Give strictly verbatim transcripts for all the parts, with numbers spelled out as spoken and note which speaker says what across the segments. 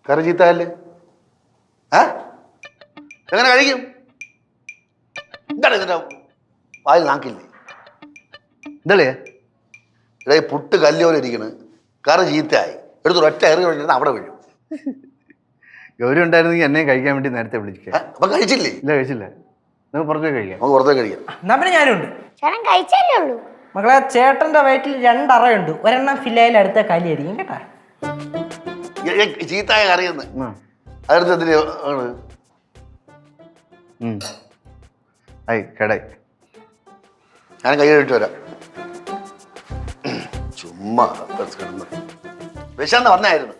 Speaker 1: കറി ചീത്തയല്ലേ? ഏ എങ്ങനെ കഴിക്കും? എന്താണ് ഇതിന്റെ വായിൽ നാക്കില്ലേ? എന്താളേ ഇടേ പുട്ട് കല്ലോലെ ഇരിക്കണ്, കറി ചീത്തയായി, എടുത്ത് ഒറ്റ എറി കഴിഞ്ഞാൽ അവിടെ വീഴും.
Speaker 2: ഗൗരി ഉണ്ടായിരുന്നെങ്കിൽ എന്നെ കഴിക്കാൻ വേണ്ടി നേരത്തെ വിളിക്കുക.
Speaker 1: അപ്പൊ കഴിച്ചില്ലേ?
Speaker 2: ഇല്ല കഴിച്ചില്ല. നമുക്ക് പുറത്തേക്ക് കഴിക്കാം.
Speaker 1: നമുക്ക് പുറത്തേക്ക് കഴിക്കാം.
Speaker 3: എന്നാ പിന്നെ ഞാനുണ്ട്.
Speaker 4: ചേട്ടൻ കഴിച്ചല്ലേ ഉള്ളൂ.
Speaker 3: മകളെ ചേട്ടന്റെ വയറ്റിൽ രണ്ടറയുണ്ട്, ഒരെണ്ണം ഫില്ലയിൽ അടുത്ത കലിയായിരിക്കും കേട്ടാ.
Speaker 1: ചീത്തായ കറിയെന്ന് അതെടുത്ത് എന്തിനാ ആണ്?
Speaker 2: ആയി കടായി.
Speaker 1: ഞാൻ കൈ കഴിട്ട് വരാം. ചുമ്മാ കിടന്ന് വിശന്ന് വന്നായിരുന്നു.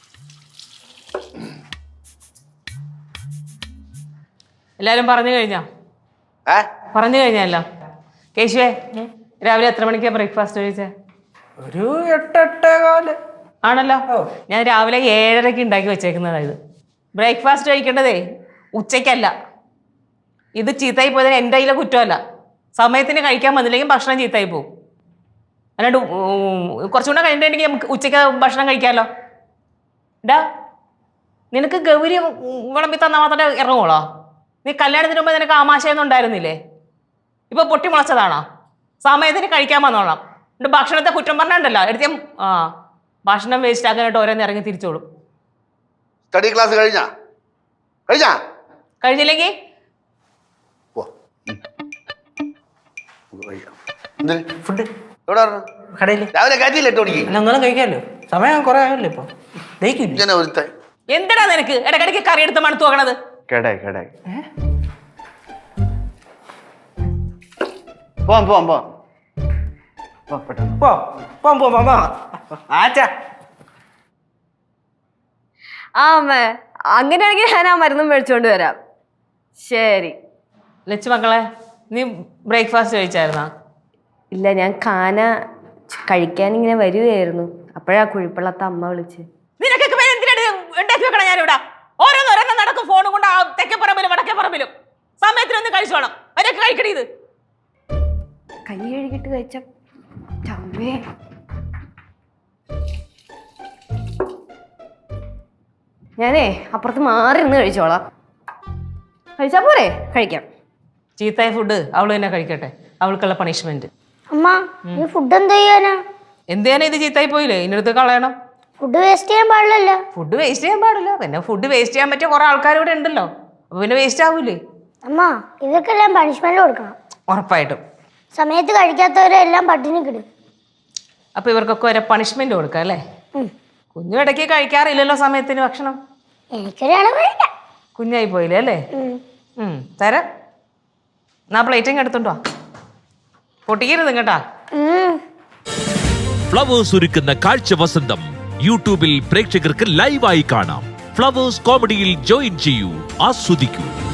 Speaker 5: എല്ലാരും പറഞ്ഞു കഴിഞ്ഞോ?
Speaker 1: ഏ
Speaker 5: പറഞ്ഞു കഴിഞ്ഞല്ലോ. കേശുവേ, രാവിലെ എത്ര മണിക്കാ ബ്രേക്ക്ഫാസ്റ്റ് കഴിച്ചേ?
Speaker 3: ഒരു എട്ടെട്ടേ കാല്
Speaker 5: ആണല്ലോ. ഞാൻ രാവിലെ ഏഴരയ്ക്ക് ഉണ്ടാക്കി വെച്ചേക്കുന്നതായത്. ബ്രേക്ക്ഫാസ്റ്റ് കഴിക്കേണ്ടതേ ഉച്ചയ്ക്കല്ല. ഇത് ചീത്തയായി പോയതിന് എൻ്റെ കയ്യിലെ കുറ്റമല്ല. സമയത്തിന് കഴിക്കാൻ വന്നില്ലെങ്കിൽ ഭക്ഷണം ചീത്തയായി പോകും. അല്ലാണ്ട് കുറച്ചുകൂടെ കഴിഞ്ഞിട്ടുണ്ടെങ്കിൽ നമുക്ക് ഉച്ചയ്ക്ക് ഭക്ഷണം കഴിക്കാമല്ലോ. ഡാ, നിനക്ക് ഗൗരി വിളമ്പി തന്നാൽ മാത്രമേ ഇറങ്ങുള്ളോ? നീ കല്യാണത്തിന് മുമ്പ് നിനക്ക് ആമാശയൊന്നും ഉണ്ടായിരുന്നില്ലേ? ഇപ്പൊ പൊട്ടി മുളച്ചതാണോ? സമയത്തിന് കഴിക്കാൻ വന്നോളാം. എന്നിട്ട് ഭക്ഷണത്തെ കുറ്റം പറഞ്ഞിട്ടുണ്ടല്ലോ എടുത്ത ആ ഭക്ഷണം വേസ്റ്റ് ആക്കാനായിട്ട് ഓരോന്ന് ഇറങ്ങി തിരിച്ചോളും.
Speaker 1: സ്റ്റഡി ക്ലാസ് കഴിഞ്ഞാ കഴിഞ്ഞാ
Speaker 5: കഴിഞ്ഞില്ലെങ്കിൽ
Speaker 3: ഫുഡ്
Speaker 1: എവിടെ
Speaker 3: കടയിൽ
Speaker 1: രാവിലെ കയറ്റിയില്ല എട്ട് മണിക്ക്.
Speaker 3: നിങ്ങളും കഴിക്കാമല്ലോ, സമയം കുറെ ആയല്ലോ ഇപ്പൊ. ദഹിക്കില്ല
Speaker 1: ഒരുത്ത
Speaker 5: എന്തിനാ നിനക്ക് ഇടയ്ക്കിടയ്ക്ക് കറി എടുത്ത് മണത്ത് നോക്കണത്?
Speaker 2: കടായി കടായി. പോവാം പോവാം പോവാം പെട്ടെന്ന്
Speaker 3: പോ പോ പോ പോ ആച്ചാ.
Speaker 6: ആ അമ്മ, അങ്ങനെയാണെങ്കിൽ ഞാൻ ആ മരുന്നും മേടിച്ചോണ്ട് വരാം. ശരി.
Speaker 5: ലച്ചു മക്കളെ, നീ ബ്രേക്ക്ഫാസ്റ്റ് കഴിച്ചായിരുന്നാ?
Speaker 6: ഇല്ല, ഞാൻ കാന കഴിക്കാൻ ഇങ്ങനെ വരുകയായിരുന്നു, അപ്പോഴാ കുഴിപ്പള്ളത്തെ അമ്മ വിളിച്ച്.
Speaker 5: നിനക്കൊക്കെ പേര് എന്തിനാണ് ഉണ്ടാക്കി വെക്കണം? ഞാനിവിടെ ഓരോന്നോരോന്നും നടക്കും ഫോണും കൊണ്ട് തെക്കേ പറമ്പിലും വടക്കേ പറമ്പിലും. സമയത്തിനൊന്ന് കഴിച്ചു വേണം അവരൊക്കെ കഴിക്കണേ. ഇത്
Speaker 6: കൈ കഴുകിട്ട് കഴിച്ച ചമ്മേ. ഞാനേ അപ്പുറത്ത് മാറി നിന്ന് കഴിച്ചോളാം. കഴിച്ചാ പോരെ? കഴിക്കാം.
Speaker 5: ചീത്തായ ഫുഡ് അവൾ തന്നെ കഴിക്കട്ടെ, അവൾക്കുള്ള പണിഷ്മെന്റ്.
Speaker 4: അമ്മ, ഈ ഫുഡ് എന്ത് ചെയ്യാനാ?
Speaker 5: എന്ത് ചെയ്യാനാ? ഇത് ചീത്തായി പോയില്ലേ, ഇതിനടുത്ത് കളയണം.
Speaker 4: ഫുഡ് വേസ്റ്റ് ചെയ്യാൻ പാടില്ലല്ലോ.
Speaker 5: ഫുഡ് വേസ്റ്റ് ചെയ്യാൻ പാടില്ല. പിന്നെ ഫുഡ് വേസ്റ്റ് ചെയ്യാൻ പറ്റിയ കുറെ ആൾക്കാർ ഇവിടെ ഉണ്ടല്ലോ, അപ്പൊ പിന്നെ വേസ്റ്റ് ആവൂലേ?
Speaker 4: അമ്മ, ഇവർക്കെല്ലാം പണിഷ്മെന്റ് കൊടുക്കണം.
Speaker 5: ഉറപ്പായിട്ടും.
Speaker 4: സമയത്ത് കഴിക്കാത്തവരെല്ലാം പട്ടിണി കിടും.
Speaker 5: അപ്പൊ ഇവർക്കൊക്കെ ഒരു പണിഷ്മെന്റ് കൊടുക്കാം അല്ലേ? കുഞ്ഞു ഇടയ്ക്ക് കഴിക്കാറില്ലല്ലോ സമയത്തിന് ഭക്ഷണം.
Speaker 4: എനിക്കൊരാളെ കഴിക്കാം.
Speaker 5: കുഞ്ഞായി പോയില്ലേ അല്ലേ? ഉം തരാം. എന്നാ പ്ലേറ്റിങ് എടുത്തുണ്ടോ? പൊട്ടിക്കരുത് കേട്ടാ.
Speaker 7: ഫ്ലവേഴ്സ് ഒരുക്കുന്ന കാഴ്ച വസന്തം യൂട്യൂബിൽ പ്രേക്ഷകർക്ക് ലൈവായി കാണാം. ഫ്ലവേഴ്സ് കോമഡിയിൽ ജോയിൻ ചെയ്യൂ, ആസ്വദിക്കൂ.